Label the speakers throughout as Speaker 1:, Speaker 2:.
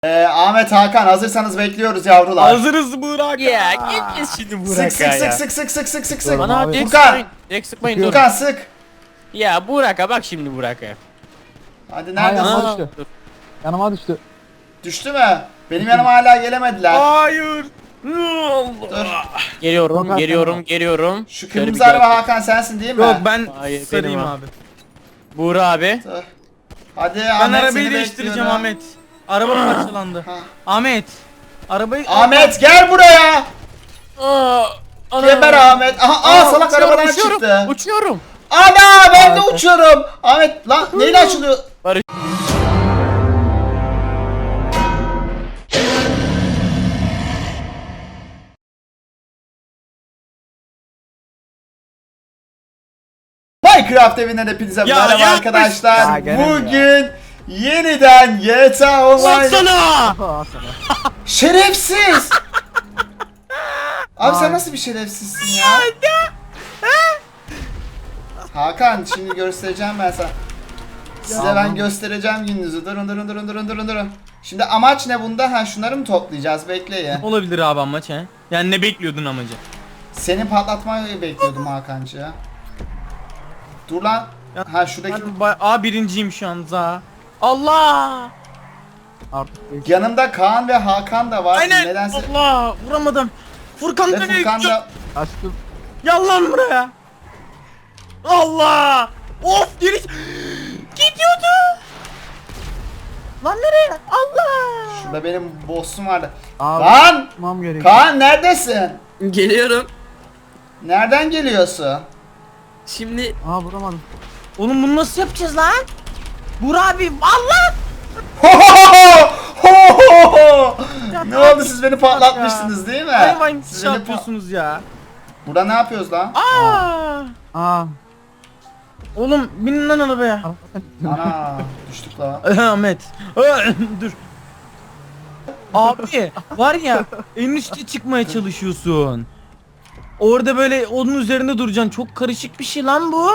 Speaker 1: Ahmet, Hakan, hazırsanız bekliyoruz yavrular.
Speaker 2: Hazırız Burak.
Speaker 3: Ya gideceğiz şimdi Burak
Speaker 1: Sık
Speaker 3: ya.
Speaker 1: sık sık sık sık sık sık sık.
Speaker 3: Bana direkt
Speaker 1: Furkan.
Speaker 3: sıkmayın. Direkt sıkmayın dur.
Speaker 1: Furkan sık.
Speaker 3: Ya Burak'a bak şimdi Burak'a.
Speaker 1: Hadi
Speaker 4: Hayır,
Speaker 1: neredesin?
Speaker 4: yanıma düştü.
Speaker 3: Dur.
Speaker 4: Yanıma düştü.
Speaker 1: Düştü mü? Benim yanıma hala gelemediler.
Speaker 2: Hayır.
Speaker 1: Dur.
Speaker 3: Geliyorum,
Speaker 4: Yok,
Speaker 3: geliyorum,
Speaker 4: Hakan.
Speaker 3: geliyorum.
Speaker 1: Şu
Speaker 3: Şöyle
Speaker 1: kırmızı
Speaker 3: bir
Speaker 1: araba
Speaker 3: gel.
Speaker 1: Hakan sensin değil mi?
Speaker 2: Yok ben
Speaker 3: Hayır,
Speaker 2: sarayım
Speaker 3: benim
Speaker 2: abi.
Speaker 3: Burak abi.
Speaker 1: Dur. Hadi
Speaker 2: Ben
Speaker 1: Ahmet,
Speaker 2: arabayı
Speaker 1: seni
Speaker 2: değiştireceğim
Speaker 1: bekliyorum.
Speaker 2: Ahmet. Araba parçalandı.
Speaker 1: Ha.
Speaker 2: Ahmet. Arabayı...
Speaker 1: Ahmet gel buraya.
Speaker 3: Aa,
Speaker 1: Geber Ahmet. Aha salak
Speaker 3: uçuyorum,
Speaker 1: arabadan
Speaker 3: uçuyorum,
Speaker 1: çıktı.
Speaker 3: Uçuyorum.
Speaker 1: Ana ben de uçuyorum. Ahmet lan neyle açılıyor?
Speaker 3: Barış.
Speaker 1: Minecraft evinden hepinize
Speaker 2: Ya,
Speaker 1: merhaba
Speaker 2: yapmış.
Speaker 1: arkadaşlar.
Speaker 4: Ya, gene mi
Speaker 1: Bugün yeniden GTA Online.
Speaker 3: Baksana.
Speaker 4: Al sana.
Speaker 1: Şerefsiz. Abi sen
Speaker 4: Ay.
Speaker 1: nasıl bir şerefsizsin ya? Hakan şimdi göstereceğim ben sana. Size ben
Speaker 4: Tamam.
Speaker 1: göstereceğim gününüzü. Durun. Şimdi amaç ne bunda? Ha şunları mı toplayacağız? Bekleyin.
Speaker 2: Olabilir abi amaç he. Yani ne bekliyordun amacı?
Speaker 1: Seni patlatmayı bekliyordum Hakan'cı. Dur lan.
Speaker 2: Ya,
Speaker 1: Ha şuradaki
Speaker 2: birinciyim şu an za. Allah.
Speaker 4: Artık değil.
Speaker 1: yanımda Kaan ve Hakan da var.
Speaker 2: Aynen.
Speaker 1: Nedense
Speaker 2: Allah vuramadım. Furkan
Speaker 1: ve
Speaker 2: nereye
Speaker 1: Furkan
Speaker 2: gidiyor?
Speaker 1: da
Speaker 4: Açtım.
Speaker 2: Gel lan buraya. Allah. Of geri. Gidiyordu. Lan nereye? Allah.
Speaker 1: şurada benim boss'um vardı.
Speaker 4: Abi.
Speaker 1: Kaan!
Speaker 4: Tutmam gerekiyor.
Speaker 1: Kaan neredesin?
Speaker 5: Geliyorum.
Speaker 1: Nereden geliyorsun?
Speaker 5: Şimdi
Speaker 4: Aa vuramadım.
Speaker 2: Oğlum bunu nasıl yapacağız lan? Burak abi Allah.
Speaker 1: Ne oldu, siz beni patlatmıştınız değil mi?
Speaker 2: Hayvan
Speaker 1: Siz
Speaker 2: şey
Speaker 1: beni
Speaker 2: yapıyorsunuz ya.
Speaker 1: Burada ne yapıyoruz lan?
Speaker 2: Aa.
Speaker 4: Aa.
Speaker 2: Oğlum binin lan arabaya.
Speaker 1: Ana düştük lan.
Speaker 2: Ahmet. Dur. Abi var ya en üstte çıkmaya çalışıyorsun. Orada böyle onun üzerinde duracaksın. Çok karışık bir şey lan bu.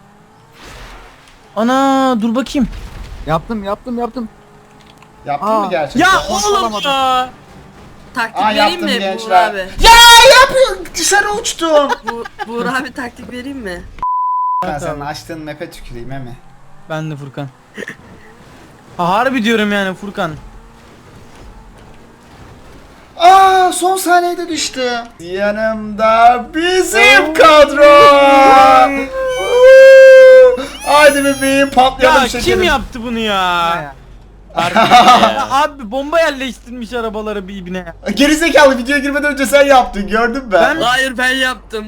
Speaker 2: Ana dur bakayım.
Speaker 4: Yaptım.
Speaker 1: Yaptın
Speaker 4: Aa.
Speaker 1: mı gerçekten?
Speaker 2: Ya
Speaker 4: Hoş
Speaker 2: oğlum
Speaker 4: olamadım.
Speaker 2: ya.
Speaker 5: taktik
Speaker 1: Aa,
Speaker 5: vereyim
Speaker 1: yaptım
Speaker 5: mi Buğra
Speaker 1: gençler.
Speaker 5: abi?
Speaker 1: Ya yapıyor, dışarı uçtum.
Speaker 5: Buğra abi taktik vereyim mi?
Speaker 1: Ben senin açtığın map'e tüküreyim he mi?
Speaker 2: Ben de Furkan. Ha, harbi diyorum yani Furkan.
Speaker 1: Aa son saniyede düştü. Yanımda bizim kadro. Haydi bebeğim patlayalım
Speaker 2: Ya
Speaker 1: şekerim.
Speaker 2: kim yaptı bunu ya?
Speaker 4: Ya.
Speaker 3: Harbi
Speaker 2: Ya
Speaker 3: ya.
Speaker 2: abi bomba yerleştirmiş arabaları birbirine.
Speaker 1: Gerizekalı, videoya girmeden önce sen yaptın, gördüm ben.
Speaker 2: Ben-
Speaker 5: Hayır ben yaptım.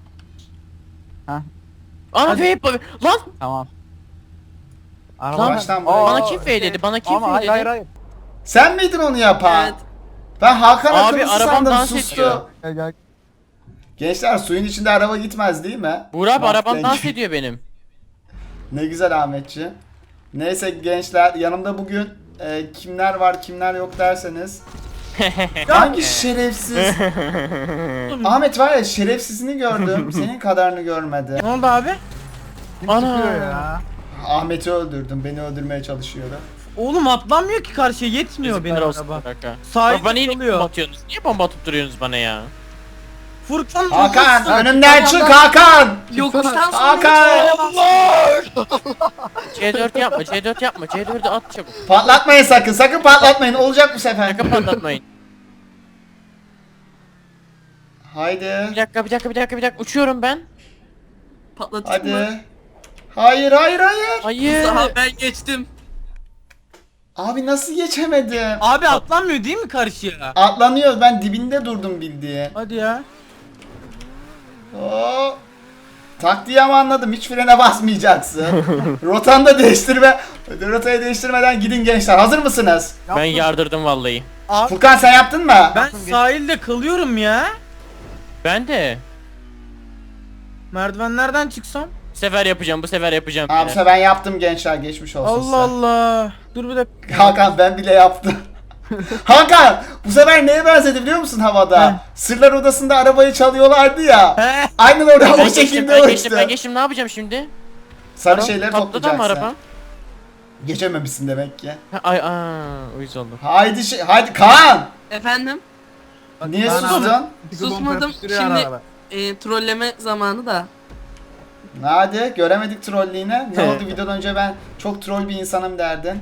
Speaker 3: Ana vape lan
Speaker 4: Tamam.
Speaker 3: Lan,
Speaker 1: baştan buraya.
Speaker 3: bana kim dedi? Bana kim
Speaker 4: Ama hayır
Speaker 3: dedi?
Speaker 4: hayır.
Speaker 1: Sen miydin onu yapan?
Speaker 5: Evet.
Speaker 1: Ben Hakan
Speaker 3: Abi,
Speaker 1: akıllısı
Speaker 3: arabam
Speaker 1: sandım,
Speaker 3: dans
Speaker 1: sustu.
Speaker 3: ediyor.
Speaker 4: Gel.
Speaker 1: Gençler suyun içinde araba gitmez değil mi?
Speaker 3: Burak abi
Speaker 1: Bak,
Speaker 3: arabam
Speaker 1: denk-
Speaker 3: dans ediyor benim.
Speaker 1: Ne güzel Ahmetçi. Neyse gençler, yanımda bugün kimler var kimler yok derseniz. Hangi şerefsiz? Ahmet var ya, şerefsizini gördüm, senin kadarını görmedi.
Speaker 2: Ne oldu abi?
Speaker 3: Ana.
Speaker 4: Çıkıyor ya.
Speaker 1: Ahmet'i öldürdüm, beni öldürmeye çalışıyordu.
Speaker 2: Oğlum atlanmıyor ki karşıya yetmiyor
Speaker 3: Yazıklar
Speaker 2: benim
Speaker 3: olsun
Speaker 2: araba.
Speaker 3: Burak'a.
Speaker 2: Sahip
Speaker 3: Bana niye
Speaker 2: kalıyor.
Speaker 3: bomba atıyorsunuz? Niye bomba atıp duruyorsunuz bana ya?
Speaker 2: Furkan
Speaker 1: Hakan
Speaker 2: hızlısın.
Speaker 1: önümden çık Hakan!
Speaker 5: Yokuştan sonra
Speaker 1: Hakan!
Speaker 3: C4 yapma, C4 yapma, C4'ü at çabuk.
Speaker 1: Patlatmayın sakın patlatmayın, olacak bu sefer.
Speaker 3: Sakın patlatmayın.
Speaker 1: Haydi.
Speaker 3: Bir dakika, uçuyorum ben.
Speaker 5: patlatayım mı?
Speaker 1: Hadi. Hayır.
Speaker 3: Hayır.
Speaker 5: Daha ben geçtim.
Speaker 1: Abi nasıl geçemedim?
Speaker 2: Abi atlanmıyor değil mi karşıya?
Speaker 1: Atlanıyor, ben dibinde durdum bildiğin.
Speaker 2: Hadi ya.
Speaker 1: Oo. Taktiği ama anladım, hiç frene basmayacaksın. Rotanı da değiştirme. Rotayı değiştirmeden gidin gençler, hazır mısınız?
Speaker 3: Ben yardırdım vallahi.
Speaker 2: Abi
Speaker 1: Furkan sen yaptın mı?
Speaker 2: ben sahilde kalıyorum ya.
Speaker 3: Ben de.
Speaker 2: Merdivenlerden çıksam.
Speaker 3: Bu sefer yapacağım.
Speaker 1: Abi ben yaptım gençler, geçmiş olsun
Speaker 2: Allah
Speaker 1: size.
Speaker 2: Allah. Dur bir dakika.
Speaker 1: Hakan ben bile yaptım. Hakan bu sefer neye benzedi biliyor musun havada?
Speaker 2: He.
Speaker 1: Sırlar Odası'nda arabayı çalıyorlardı ya.
Speaker 2: He.
Speaker 1: Aynen orada o
Speaker 3: Ben
Speaker 1: şekilde
Speaker 3: geçtim, ben
Speaker 1: uçtu.
Speaker 3: geçtim, ben geçtim. Ne yapacağım şimdi?
Speaker 1: Sarı şeyleri
Speaker 3: Patladı mı
Speaker 1: toplayacaksın.
Speaker 3: araba?
Speaker 1: Geçememişsin demek ki.
Speaker 3: Ay uyuz oldum.
Speaker 1: Haydi Kaan.
Speaker 5: Efendim?
Speaker 1: Niye
Speaker 4: Kaan
Speaker 1: sustun?
Speaker 4: Bir bomba
Speaker 5: Susmadım.
Speaker 4: yapıştırıyor
Speaker 5: Şimdi
Speaker 4: ara ara.
Speaker 5: trolleme zamanı da.
Speaker 1: Hadi göremedik trolliğini. Ne oldu videodan önce ben çok troll bir insanım derdin.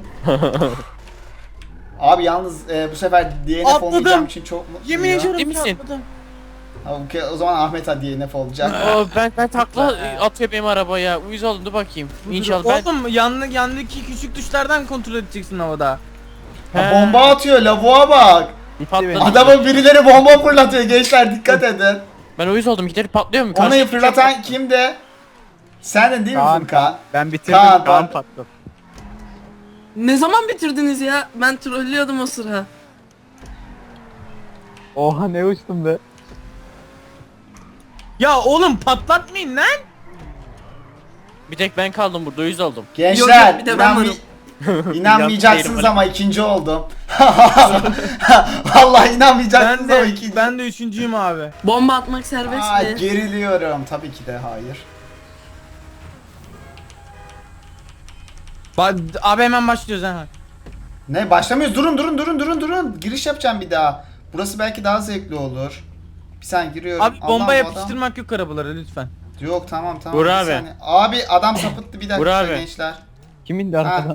Speaker 1: Abi yalnız bu sefer DNF
Speaker 2: Atladım.
Speaker 1: olmayacağım için çok mutluyum.
Speaker 2: Yemin ediyorum
Speaker 3: Ciddi misin?
Speaker 2: çarpmadım.
Speaker 1: Ha, okey, o zaman Ahmet ha DNF olacak.
Speaker 3: Ben takla atıyor benim arabaya. Uyuz oldum, dur bakayım. İnşallah ben...
Speaker 2: Oğlum yandaki küçük tuşlardan kontrol edeceksin havada.
Speaker 1: Ha, bomba atıyor lavuğa bak.
Speaker 3: Patladı.
Speaker 1: Adamın birileri bomba fırlatıyor gençler dikkat edin.
Speaker 3: Ben uyuz oldum, giderip patlıyor mu?
Speaker 1: Onu
Speaker 3: Karşı-
Speaker 1: fırlatan kimdi? Sendin değil mi
Speaker 4: Kaan,
Speaker 1: Furkan?
Speaker 4: Ben bitirdim.
Speaker 1: Kaan,
Speaker 4: Kaan
Speaker 1: ben-
Speaker 4: patladı.
Speaker 5: Ne zaman bitirdiniz ya? Ben trollüyordum o sıra.
Speaker 4: Oha ne uçtum be.
Speaker 2: Ya oğlum patlatmayın lan.
Speaker 3: Bir tek ben kaldım burada, uyuz oldum.
Speaker 1: Gençler
Speaker 5: Yok, bir de ben varım.
Speaker 1: inanmayacaksınız
Speaker 3: Değilim
Speaker 1: ama ikinci oldum. Vallahi inanmayacaksınız
Speaker 2: Ben
Speaker 1: ama
Speaker 2: de
Speaker 1: ikinci.
Speaker 2: ben de üçüncüyüm abi.
Speaker 5: Bomba atmak serbest
Speaker 1: Aa,
Speaker 5: mi?
Speaker 1: geriliyorum. Tabii ki de hayır.
Speaker 2: Abi hemen başlıyoruz ha.
Speaker 1: Ne başlamıyoruz? Durun. Giriş yapacağım bir daha. Burası belki daha zevkli olur. Bir saniye giriyorum.
Speaker 2: Abi
Speaker 1: Allah'ım,
Speaker 2: bomba
Speaker 1: bu
Speaker 2: yapıştırmak yok arabalara lütfen.
Speaker 1: adam- Yok tamam.
Speaker 3: Vur
Speaker 1: bir
Speaker 3: abi.
Speaker 1: saniye. Abi adam sapıttı bir dakika
Speaker 3: Vur abi.
Speaker 1: gençler.
Speaker 4: Kimin de arkadan?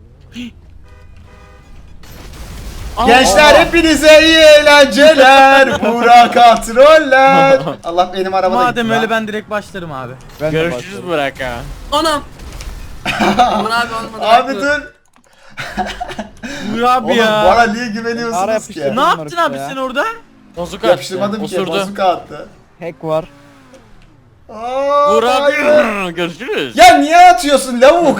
Speaker 1: Gençler hepinize iyi eğlenceler. Burak troller. Allah benim arabada
Speaker 2: Madem
Speaker 1: gitti
Speaker 2: öyle
Speaker 1: lan.
Speaker 2: ben direkt başlarım abi.
Speaker 4: Ben de
Speaker 3: Görüşürüz
Speaker 4: başladım.
Speaker 3: Burak ha.
Speaker 5: Anam. Uğur abi olmadı.
Speaker 1: Abi
Speaker 5: haklı.
Speaker 1: dur.
Speaker 2: Buyur abi
Speaker 1: Oğlum
Speaker 2: ya.
Speaker 1: bana niye
Speaker 4: Ara
Speaker 1: güveniyorsunuz ki?
Speaker 4: yapıştırdım.
Speaker 2: Ne yaptın
Speaker 4: Bunlar
Speaker 2: abi
Speaker 4: işte ya.
Speaker 2: sen orada?
Speaker 3: Bozuk attı.
Speaker 1: Yapıştırmadım ki.
Speaker 3: Osurdu.
Speaker 1: Bazuka attı.
Speaker 4: Hack var.
Speaker 1: Aa,
Speaker 3: Burak
Speaker 1: hayır.
Speaker 3: görüşürüz.
Speaker 1: Ya niye atıyorsun lavuk?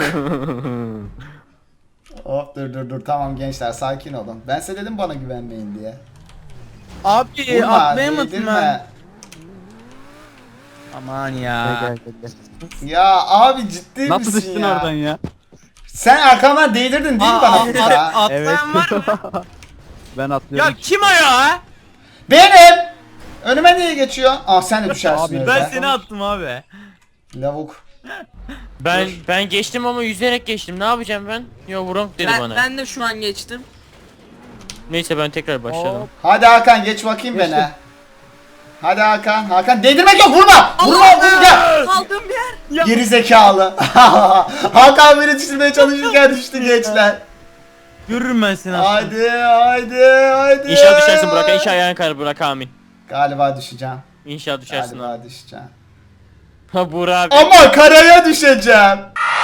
Speaker 1: Hop dur tamam gençler sakin olun. Ben size dedim bana güvenmeyin diye.
Speaker 2: Abi
Speaker 1: Vurma,
Speaker 2: atlayamadım
Speaker 1: değdirme.
Speaker 2: ben. Aman ya.
Speaker 4: Gel.
Speaker 1: Ya abi ciddi
Speaker 4: Nasıl
Speaker 1: misin
Speaker 4: düştün
Speaker 1: ya?
Speaker 4: oradan ya?
Speaker 1: Sen arkamdan değdirdin değil mi bana Furkan?
Speaker 2: Atlayan
Speaker 4: Evet.
Speaker 2: var mı?
Speaker 4: Ben atlıyorum.
Speaker 2: Ya kim o ya?
Speaker 1: Benim! Önüme niye geçiyor? Aa sen de düşersin
Speaker 4: Abi,
Speaker 1: öyle.
Speaker 2: Ben seni attım abi.
Speaker 1: Lavuk.
Speaker 3: Ben geçtim ama yüzerek geçtim. Ne yapacağım ben? Yo Burak dedi bana.
Speaker 5: Ben de şu an geçtim.
Speaker 3: Neyse ben tekrar başladım.
Speaker 4: Hop.
Speaker 1: Hadi Hakan geç bakayım
Speaker 4: Geçtim.
Speaker 1: beni. Hadi Hakan. Hakan değdirmek yok vurma! Vurma vurma!
Speaker 5: Kaldığım yer.
Speaker 1: Geri zekalı. Hakan beni düşürmeye çalışırken düştü gençler.
Speaker 2: Görürüm ben seni aslında.
Speaker 1: Hadi.
Speaker 3: İnşallah düşersin Burak. İnşallah ayağın kayar Burak, amin.
Speaker 1: Galiba düşeceğim.
Speaker 3: İnşallah düşersin.
Speaker 1: Galiba düşeceğim.
Speaker 3: Ha Burak abi.
Speaker 1: Ama karaya düşeceğim.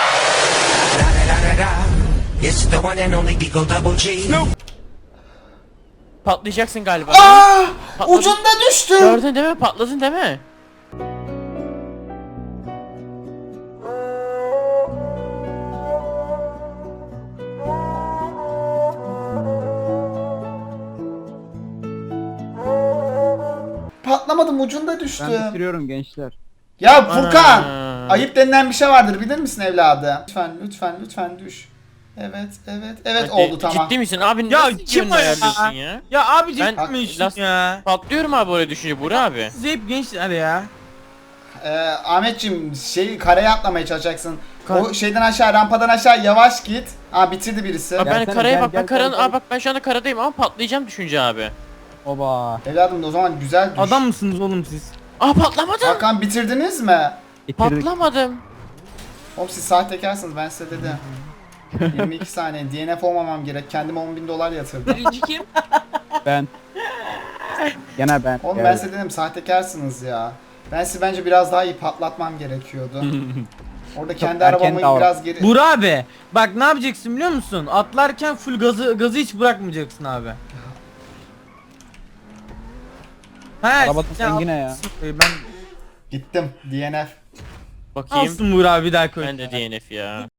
Speaker 6: It's the one and only Beagle Double G.
Speaker 3: Patlayacaksın galiba.
Speaker 1: Aa!
Speaker 3: Patladın.
Speaker 1: Ucunda düştüm.
Speaker 3: Gördün değil mi? Patladın değil mi?
Speaker 1: Patlamadım ucunda
Speaker 4: Ben
Speaker 1: düştüm.
Speaker 4: bitiriyorum gençler.
Speaker 1: Ya Furkan,
Speaker 3: Ana.
Speaker 1: ayıp denilen bir şey vardır bilir misin evladım? Lütfen düş. Evet
Speaker 3: Hadi,
Speaker 1: oldu tamam.
Speaker 3: Ciddi misin abi?
Speaker 2: Ya
Speaker 3: Nasıl
Speaker 2: kim
Speaker 3: yönünü
Speaker 2: o ya?
Speaker 3: ayarlıyorsun ya?
Speaker 2: Ya abi
Speaker 3: Ben-
Speaker 2: ciddi
Speaker 3: Last-
Speaker 2: ya.
Speaker 3: Patlıyorum abi oraya düşünce Burak abi.
Speaker 2: Siz hep gençler ya.
Speaker 1: Ahmetciğim karaya atlamaya çalışacaksın.
Speaker 3: Kar-
Speaker 1: O şeyden aşağı rampadan aşağı yavaş git. Aa bitirdi birisi.
Speaker 3: Abi ben
Speaker 4: Gelsene,
Speaker 3: karaya
Speaker 4: gel,
Speaker 3: bak, ben
Speaker 4: gel,
Speaker 3: karanın,
Speaker 4: gel.
Speaker 3: aa bak ben şu anda karadayım ama patlayacağım düşünce abi.
Speaker 4: Oba.
Speaker 1: Evladım o zaman güzel düş.
Speaker 2: Adam mısınız oğlum siz?
Speaker 3: Aa patlamadım.
Speaker 1: Hakan bitirdiniz mi?
Speaker 4: Bitirdik.
Speaker 3: Patlamadım.
Speaker 1: Oğlum siz sahtekarsınız ben size dedim. 22 saniye DNF olmamam gerek. Kendime 10.000 dolar yatırdım.
Speaker 5: Birinci kim?
Speaker 4: Ben. Gene ben.
Speaker 1: Oğlum
Speaker 4: Gel.
Speaker 1: ben size dedim sahtekarsınız ya. Ben sizi bence biraz daha iyi patlatmam gerekiyordu. Orada kendi
Speaker 4: erken
Speaker 1: arabamı
Speaker 4: davran.
Speaker 1: biraz geri...
Speaker 2: Burak abi bak ne yapacaksın biliyor musun? Atlarken full gazı hiç bırakmayacaksın abi. He,
Speaker 4: Arabada sen yine ya.
Speaker 2: Ben
Speaker 1: Gittim DNF.
Speaker 3: Bakayım.
Speaker 2: alsın Burak abi bir daha koy.
Speaker 3: Ben de DNF ya.